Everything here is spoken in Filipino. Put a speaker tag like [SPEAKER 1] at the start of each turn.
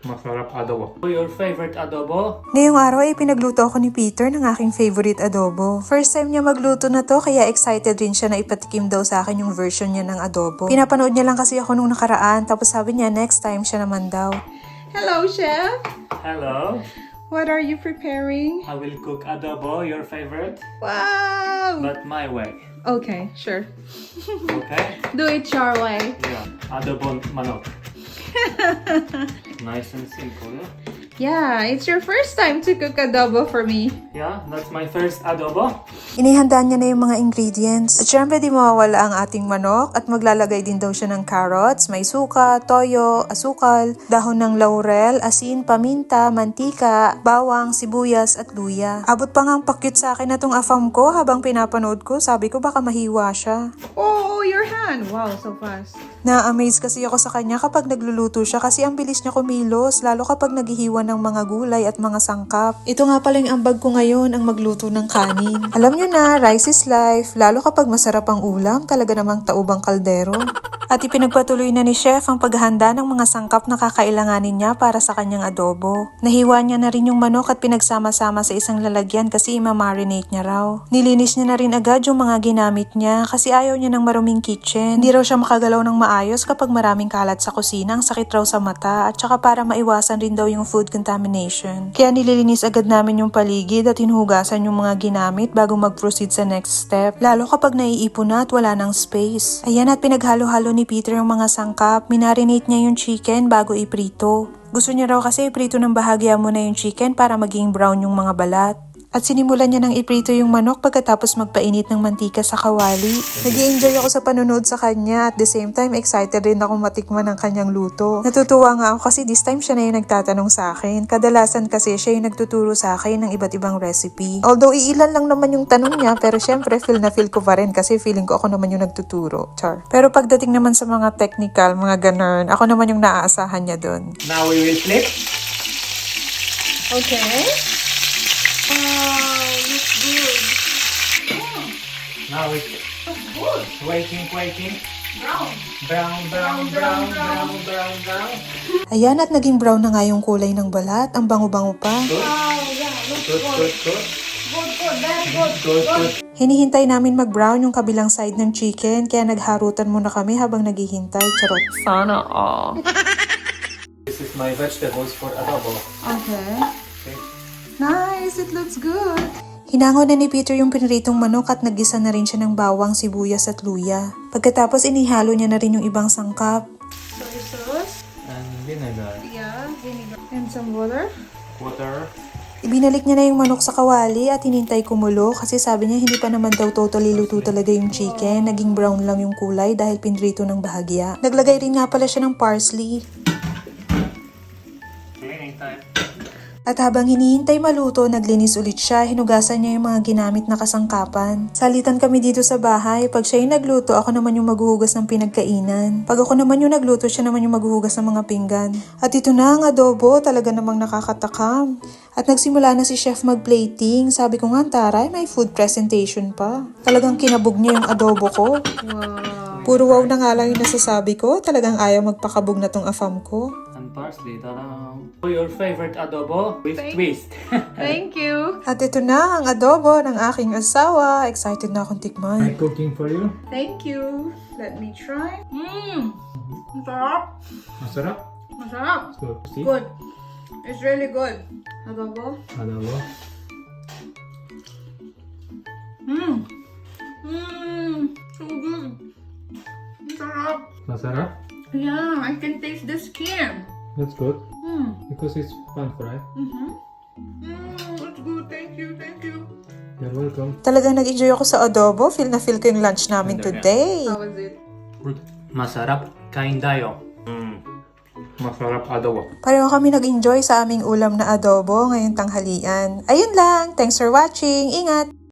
[SPEAKER 1] Masarap adobo. Your favorite adobo?
[SPEAKER 2] Ngayong araw ay pinagluto ako ni Peter ng aking favorite adobo. First time niya magluto na to kaya excited rin siya na ipatikim daw sa akin yung version niya ng adobo. Pinapanood niya lang kasi ako nung nakaraan tapos sabi niya next time siya naman daw.
[SPEAKER 3] Hello, Chef.
[SPEAKER 1] Hello.
[SPEAKER 3] What are you preparing?
[SPEAKER 1] I will cook adobo, your favorite,
[SPEAKER 3] Wow.
[SPEAKER 1] but my way.
[SPEAKER 3] Okay, sure.
[SPEAKER 1] Okay?
[SPEAKER 3] Do it your way.
[SPEAKER 1] Yeah. Adobo manok. Nice and simple, yeah?
[SPEAKER 3] Yeah, it's your first time to cook adobo for me.
[SPEAKER 1] Yeah, that's my first adobo.
[SPEAKER 2] Inihanda niya na yung mga ingredients. At syempre di mawawala ang ating manok at maglalagay din daw siya ng carrots, may suka, toyo, asukal, dahon ng laurel, asin, paminta, mantika, bawang, sibuyas at luya. Abot pa nga ang pakyut sa akin na tong afam ko habang pinapanood ko. Sabi ko baka mahiwa siya.
[SPEAKER 3] Oh, your hand. Wow, so fast.
[SPEAKER 2] Na-amaze kasi ako sa kanya kapag nagluluto siya kasi ang bilis niya kumilos lalo kapag naghihiwa ng mga gulay at mga sangkap. Ito nga pala yung ambag ko ngayon ang magluto ng kanin. Alam nyo na, rice is life, lalo kapag masarap ang ulam, talaga namang taubang kaldero. At ipinagpatuloy na ni Chef ang paghahanda ng mga sangkap na kakailanganin niya para sa kanyang adobo. Nahiwa niya na rin yung manok at pinagsama-sama sa isang lalagyan kasi ima-marinate niya raw. Nilinis niya na rin agad yung mga ginamit niya kasi ayaw niya ng maruming kitchen. Hindi raw siya makagalaw ng maayos kapag maraming kalat sa kusina, ang sakit raw sa mata at saka para maiwasan rin daw yung food contamination. Kaya nililinis agad namin yung paligid at hinuhugasan yung mga ginamit bago mag-proceed sa next step. Lalo kapag naiipon na at wala ng space. Ayan, at pinaghalo-halo ni Peter yung mga sangkap. Minarinate niya yung chicken bago iprito. Gusto niya raw kasi iprito ng bahagya muna yung chicken para maging brown yung mga balat. At sinimulan niya ng iprito yung manok pagkatapos magpainit ng mantika sa kawali. Nag-i-enjoy ako sa panonood sa kanya at the same time excited rin ako matikman ng kanyang luto. Natutuwa nga ako kasi this time siya na yung nagtatanong sa akin. Kadalasan kasi siya yung nagtuturo sa akin ng iba't ibang recipe. Although iilan lang naman yung tanong niya pero syempre feel na feel ko pa rin kasi feeling ko ako naman yung nagtuturo. Char. Pero pagdating naman sa mga technical, mga ganun, ako naman yung naaasahan niya dun.
[SPEAKER 1] Now we will flip.
[SPEAKER 3] Okay. Wow, looks good.
[SPEAKER 1] Now it's
[SPEAKER 3] Looks good.
[SPEAKER 1] waiting.
[SPEAKER 3] Brown.
[SPEAKER 1] Brown.
[SPEAKER 2] Ayan, at naging brown na nga yung kulay ng balat. Ang bango-bango pa.
[SPEAKER 1] Good.
[SPEAKER 3] Wow, yeah, looks
[SPEAKER 1] Good.
[SPEAKER 3] good. Very good.
[SPEAKER 1] Good.
[SPEAKER 2] Hinihintay namin mag-brown yung kabilang side ng chicken kaya nagharutan muna kami habang naghihintay. Charot.
[SPEAKER 3] Sana all.
[SPEAKER 1] This is my vegetables for adobo.
[SPEAKER 3] Okay.
[SPEAKER 1] Okay.
[SPEAKER 3] Nice, it looks good.
[SPEAKER 2] Hinango na ni Peter yung piniritong manok at naggisa na rin siya ng bawang, sibuyas at luya. Pagkatapos inihalo niya na rin yung ibang sangkap.
[SPEAKER 3] Soy sauce.
[SPEAKER 1] And vinegar.
[SPEAKER 3] Yeah, vinegar. And some water.
[SPEAKER 1] Water.
[SPEAKER 2] Ibinalik niya na yung manok sa kawali at hinintay kumulo kasi sabi niya hindi pa naman daw totally luto talaga yung chicken. Naging brown lang yung kulay dahil pinrito ng bahagya. Naglagay rin nga pala siya ng parsley.
[SPEAKER 1] Cleaning time.
[SPEAKER 2] At habang hinihintay maluto, naglinis ulit siya, hinugasan niya yung mga ginamit na kasangkapan. Salitan kami dito sa bahay, pag siya yung nagluto, ako naman yung maghuhugas ng pinagkainan. Pag ako naman yung nagluto, siya naman yung maghuhugas ng mga pinggan. At ito na ang adobo, talaga namang nakakatakam. At nagsimula na si chef mag-plating. Sabi ko nga, taray, may food presentation pa. Talagang kinabog niya yung adobo ko.
[SPEAKER 3] Wow.
[SPEAKER 2] Puro wow na nga lang yung nasasabi ko, talagang ayaw magpakabog na tong afam ko.
[SPEAKER 1] And parsley. Ta-da! Your favorite adobo with twist.
[SPEAKER 3] Thank you.
[SPEAKER 2] At ito na ang adobo ng aking asawa. Excited na akong tikman.
[SPEAKER 1] I'm cooking for you.
[SPEAKER 3] Thank you. Let me try. Masarap.
[SPEAKER 1] Masarap.
[SPEAKER 3] Masarap.
[SPEAKER 1] Good. See?
[SPEAKER 3] Good. It's really good. Adobo.
[SPEAKER 1] Adobo.
[SPEAKER 3] So good. Masarap.
[SPEAKER 1] Masarap.
[SPEAKER 3] Yeah, I can taste the skin.
[SPEAKER 1] That's good. Because it's pan fried.
[SPEAKER 3] It's good. Thank you.
[SPEAKER 1] You're welcome.
[SPEAKER 2] Talagang nag-enjoy ako sa adobo. Feel na feel ko yung lunch namin today.
[SPEAKER 3] How was it?
[SPEAKER 1] Good. Masarap. Kain tayo. Masarap adobo.
[SPEAKER 2] Pareho kami nag-enjoy sa aming ulam na adobo ngayong tanghalian. Ayun lang. Thanks for watching. Ingat!